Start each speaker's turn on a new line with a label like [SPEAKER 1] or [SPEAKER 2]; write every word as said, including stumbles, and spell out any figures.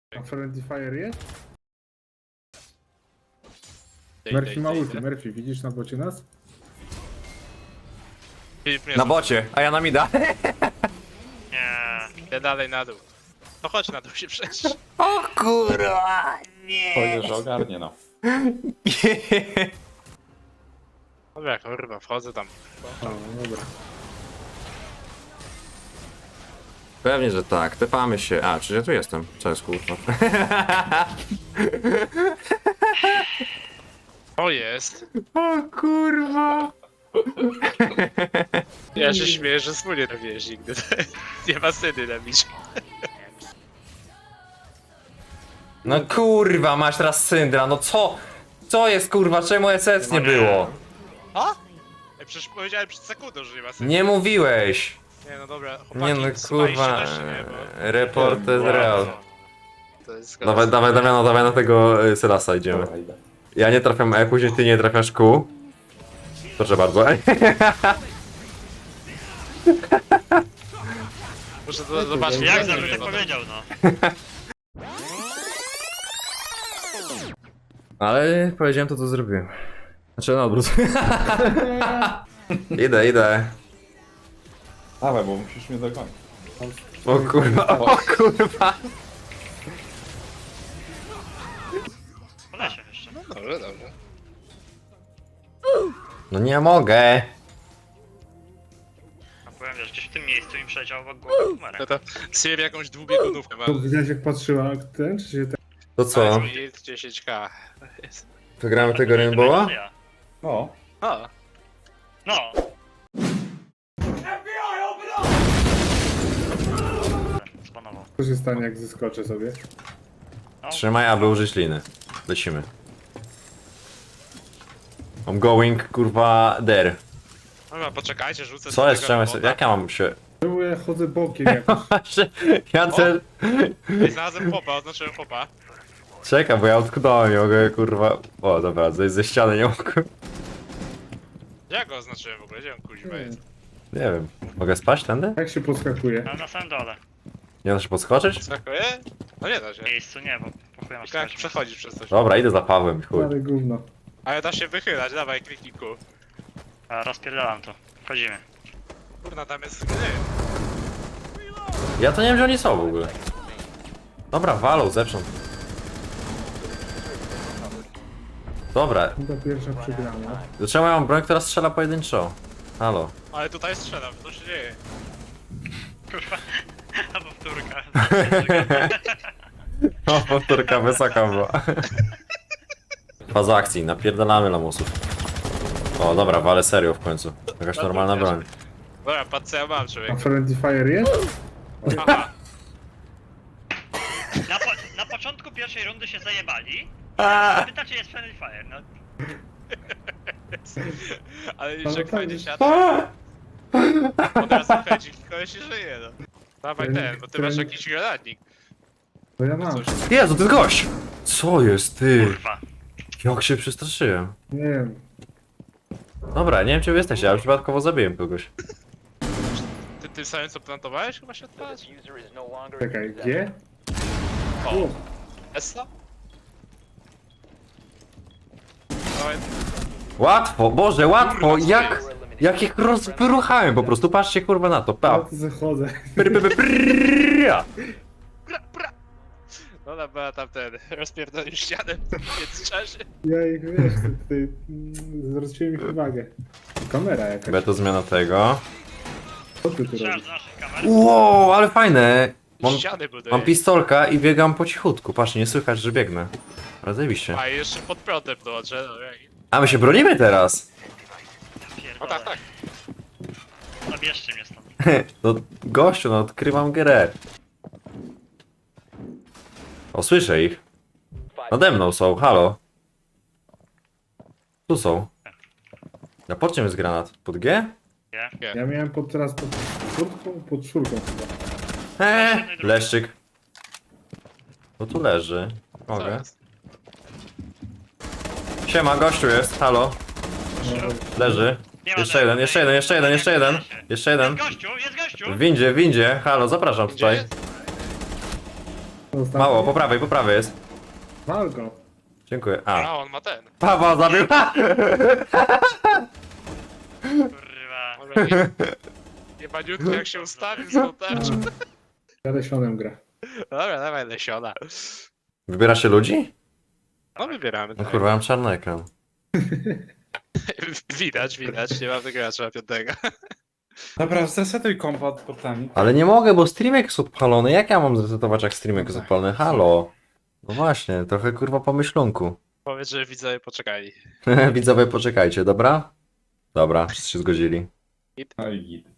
[SPEAKER 1] A Friendly Fire jest?
[SPEAKER 2] Dej,
[SPEAKER 1] Murphy
[SPEAKER 2] dej,
[SPEAKER 1] ma
[SPEAKER 2] dej,
[SPEAKER 1] ulti.
[SPEAKER 2] dej.
[SPEAKER 1] Murphy, widzisz na bocie nas?
[SPEAKER 2] Filip mnie
[SPEAKER 3] Na
[SPEAKER 2] rzuca.
[SPEAKER 3] bocie, a ja na mida.
[SPEAKER 4] Nie.
[SPEAKER 2] Ja dalej na dół. No chodź na dół się przejść.
[SPEAKER 3] O kurwa, nie.
[SPEAKER 5] Powiedział, że ogarnie no.
[SPEAKER 2] Dobra, kurwa, wchodzę tam.
[SPEAKER 1] O, dobra.
[SPEAKER 3] Pewnie, że tak, tepamy się. A, czy ja tu jestem? Co jest kurwa?
[SPEAKER 2] O jest.
[SPEAKER 3] O kurwa.
[SPEAKER 2] Ja się śmieję, że wspólnie robiłeś nigdy. Nie ma syny na bicie.
[SPEAKER 3] No kurwa, masz teraz syndra, no co? Co jest kurwa, czemu S S nie było?
[SPEAKER 2] A? Ej, przecież powiedziałem przed sekundą, że nie ma syny.
[SPEAKER 3] Nie mówiłeś.
[SPEAKER 2] Nie, no dobra, chłopaki,
[SPEAKER 3] Nie no
[SPEAKER 2] słuchajcie
[SPEAKER 3] kurwa,
[SPEAKER 2] też, nie, bo
[SPEAKER 3] report is real.
[SPEAKER 2] to jest
[SPEAKER 3] Dawaj, dawaj, Damiano, dawaj na tego y, Sylasa idziemy.
[SPEAKER 5] Dobra, idę.
[SPEAKER 3] Ja nie trafiam E, później ty nie trafiasz Q. Proszę bardzo.
[SPEAKER 2] Muszę to zobaczyć.
[SPEAKER 4] Jak
[SPEAKER 2] to
[SPEAKER 4] zabym
[SPEAKER 2] zrobię,
[SPEAKER 4] tak
[SPEAKER 2] bo to-
[SPEAKER 4] powiedział, no.
[SPEAKER 3] Ale powiedziałem to, co zrobiłem. Znaczy na odwrót. Idę, idę.
[SPEAKER 5] Dawaj, bo musisz mnie dogonić.
[SPEAKER 3] O kurwa, o kurwa.
[SPEAKER 4] Polesie jeszcze.
[SPEAKER 2] No dobrze, dobrze.
[SPEAKER 3] No nie mogę.
[SPEAKER 4] A powiem, wiesz, gdzieś w tym miejscu mi przeleciał obok głowy
[SPEAKER 2] No
[SPEAKER 4] numerek.
[SPEAKER 2] to Siri jakąś dwubiegunówkę ma.
[SPEAKER 1] To widać jak patrzyła ten, czy się ten...
[SPEAKER 3] To co?
[SPEAKER 2] Jest dziesięć k. Jest.
[SPEAKER 3] Wygramy tego Rainbowa?
[SPEAKER 4] Ja.
[SPEAKER 5] No.
[SPEAKER 2] O,
[SPEAKER 4] No. Spanował.
[SPEAKER 1] Co się stanie jak zeskoczę sobie?
[SPEAKER 3] Trzymaj, aby użyć liny. Lecimy. I'm going, kurwa, there.
[SPEAKER 2] dobra, poczekajcie, rzucę
[SPEAKER 3] Co
[SPEAKER 2] do
[SPEAKER 3] jest,
[SPEAKER 2] tego
[SPEAKER 3] czemu
[SPEAKER 2] robota.
[SPEAKER 3] jak ja mam się...
[SPEAKER 1] Czemu ja chodzę bokiem jakoś?
[SPEAKER 3] Ja też...
[SPEAKER 2] Ej, znalazłem chłopa, oznaczyłem chłopa.
[SPEAKER 3] Czekaj, bo ja utknąłem, nie mogę, kurwa... O, dobra, zejść ze ściany nie mogę.
[SPEAKER 2] Ja go oznaczyłem w ogóle, gdzie on kuźwa jest?
[SPEAKER 3] Nie wiem. Mogę spać tędy?
[SPEAKER 1] Jak się podskakuje?
[SPEAKER 4] Ale na samym dole.
[SPEAKER 3] Nie da się podskoczyć?
[SPEAKER 2] Skakuje? No nie da się.
[SPEAKER 4] W miejscu nie, bo pochuję masz
[SPEAKER 2] Tylko jak
[SPEAKER 4] skać.
[SPEAKER 2] przechodzisz przez coś.
[SPEAKER 3] Dobra, idę za Pawłem, chuj.
[SPEAKER 1] Ale gówno.
[SPEAKER 2] Ale da się wychylać, dawaj kliknij ku.
[SPEAKER 4] A, rozpierdalam to. Wchodzimy.
[SPEAKER 2] Kurna, tam jest gry.
[SPEAKER 3] Ja to nie wiem, gdzie oni są w ogóle. Dobra, walą zewsząd. Dobra,
[SPEAKER 1] Chyba pierwsza przegrana.
[SPEAKER 3] dlaczego ja mam broń, która strzela pojedynczo? Halo.
[SPEAKER 2] Ale tutaj strzelam, co się dzieje?
[SPEAKER 4] Kurwa. A powtórka.
[SPEAKER 3] O, powtórka wysoka była. Faza akcji, napierdalamy lamusów. O, dobra, wale serio w końcu. Jakaś normalna broń.
[SPEAKER 2] Dobra, patrz co ja mam,
[SPEAKER 1] A
[SPEAKER 2] człowiek.
[SPEAKER 1] Friendly Fire jest?
[SPEAKER 2] Aha,
[SPEAKER 4] Na, po, na początku pierwszej rundy się zajebali. Pytacie, jest Friendly Fire, no.
[SPEAKER 2] ale już
[SPEAKER 1] Ale
[SPEAKER 2] jak
[SPEAKER 1] tak
[SPEAKER 2] fajnie
[SPEAKER 1] jest.
[SPEAKER 2] siada. Od razu chęci, kogoś się żyje, no. Dawaj
[SPEAKER 1] Ten-
[SPEAKER 2] ten, bo ty masz
[SPEAKER 1] ten-
[SPEAKER 2] jakiś granatnik.
[SPEAKER 1] To ja mam.
[SPEAKER 2] Coś.
[SPEAKER 3] Jezu, to jest gość! Co jest, ty?
[SPEAKER 4] Kurwa.
[SPEAKER 3] Jak się przestraszyłem.
[SPEAKER 1] Nie wiem.
[SPEAKER 3] Dobra, nie wiem, czy wy jesteście, ja przypadkowo zabiłem kogoś.
[SPEAKER 2] Ty tym samym co plantowałeś chyba się odpalasz?
[SPEAKER 1] Czekaj, gdzie?
[SPEAKER 2] O,
[SPEAKER 1] O,
[SPEAKER 2] Essa? Dawaj,
[SPEAKER 3] Łatwo, Boże, łatwo! Jak... Jak ich rozwyruchałem po prostu, patrzcie kurwa na to,
[SPEAKER 1] ja
[SPEAKER 3] pa.
[SPEAKER 1] tu zachodzę.
[SPEAKER 3] Pry, pry, pry, prrrra.
[SPEAKER 2] pra, pra. No ona była tam ten, rozpierdolił ścianę w międzyczasie.
[SPEAKER 1] Ja ich wiesz, tutaj mm, zwróciłem ich uwagę. Kamera jakaś.
[SPEAKER 3] Beta zmiana tego.
[SPEAKER 1] Co ty tu
[SPEAKER 4] Strzelasz
[SPEAKER 1] robisz?
[SPEAKER 4] do naszych kamer.
[SPEAKER 3] Wow, ale fajne! Mam,
[SPEAKER 2] Ściany buduje.
[SPEAKER 3] mam pistolka i biegam po cichutku, patrz, nie słychać, że biegnę. Ale zajebiście.
[SPEAKER 2] A i jeszcze pod prądem dołączę, no jak...
[SPEAKER 3] A my się bronimy teraz!
[SPEAKER 2] No tak, tak.
[SPEAKER 4] Zabierzcie mnie stąd.
[SPEAKER 3] No gościu, no odkrywam grę. O, słyszę ich. Nade mną są, halo. Tu są. Na pod czym jest granat? Pod G?
[SPEAKER 1] Ja miałem pod, teraz pod czwórką, pod czwórką chyba.
[SPEAKER 3] Eee, leszczyk. No tu leży.
[SPEAKER 2] Co
[SPEAKER 3] Mogę.
[SPEAKER 2] jest?
[SPEAKER 3] Siema, gościu jest, halo. Leży.
[SPEAKER 4] Nie ma
[SPEAKER 3] Jeszcze
[SPEAKER 4] tego,
[SPEAKER 3] jeden, jeszcze jeden, jeszcze jeden, jeszcze jeden. Jeszcze jeden.
[SPEAKER 4] Jest gościu, jest gościu!
[SPEAKER 3] W windzie, w windzie. Halo, zapraszam
[SPEAKER 2] Gdzie
[SPEAKER 3] tutaj.
[SPEAKER 2] jest?
[SPEAKER 1] Ostatni.
[SPEAKER 3] Mało, po prawej, po prawej jest.
[SPEAKER 1] Wal go.
[SPEAKER 3] Dziękuję. A,
[SPEAKER 2] A, on ma ten.
[SPEAKER 3] Paweł zabił.
[SPEAKER 4] Kurwa.
[SPEAKER 2] Może nie. Jebaniutko jak się ustawił z tą tarczą.
[SPEAKER 1] Ja lesionem gra.
[SPEAKER 2] Dobra, dawaj lesiona.
[SPEAKER 3] Wybieracie ludzi?
[SPEAKER 2] No wybieramy.
[SPEAKER 3] No
[SPEAKER 2] tak.
[SPEAKER 3] kurwa, mam czarny ekran.
[SPEAKER 2] Widać, widać, nie mamy gracza piątego.
[SPEAKER 5] Dobra, zresetuj kompa od portami.
[SPEAKER 3] Ale nie mogę, bo streamek jest odpalony. Jak ja mam zresetować, jak streamek jest odpalony? Halo. No właśnie, trochę kurwa pomyślunku.
[SPEAKER 2] Powiedz, że widzowie poczekali.
[SPEAKER 3] Widzowie, poczekajcie, dobra? Dobra, wszyscy się zgodzili.
[SPEAKER 5] No i git.